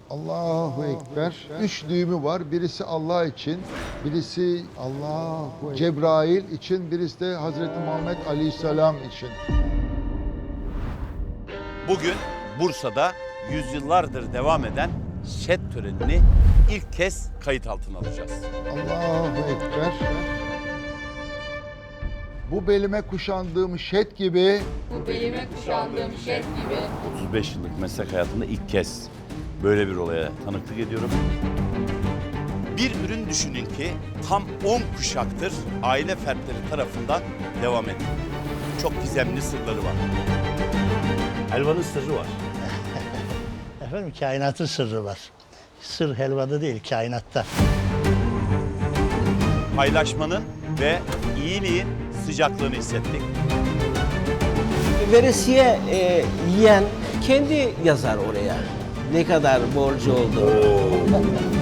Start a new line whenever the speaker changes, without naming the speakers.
Allahu Ekber. 3 düğümü var. Birisi Allah için, birisi Cebrail için, birisi de Hazreti Muhammed Aleyhisselam için.
Bugün Bursa'da yüzyıllardır devam eden şed törenini ilk kez kayıt altına alacağız.
Allahu Ekber. Bu belime kuşandığım şed gibi
Bu belime kuşandığım şed gibi
35 yıllık meslek hayatımda ilk kez böyle bir olaya tanıklık ediyorum. Bir ürün düşünün ki tam 10 kuşaktır aile fertleri tarafından devam ediyor. Çok gizemli sırları var. Helvanın sırrı var.
Efendim kainatın sırrı var. Sır helvada değil, kainatta.
Paylaşmanın ve iyiliğin sıcaklığını hissettik.
Veresiye yiyen kendi yazar oraya. Ne kadar borcu oldu.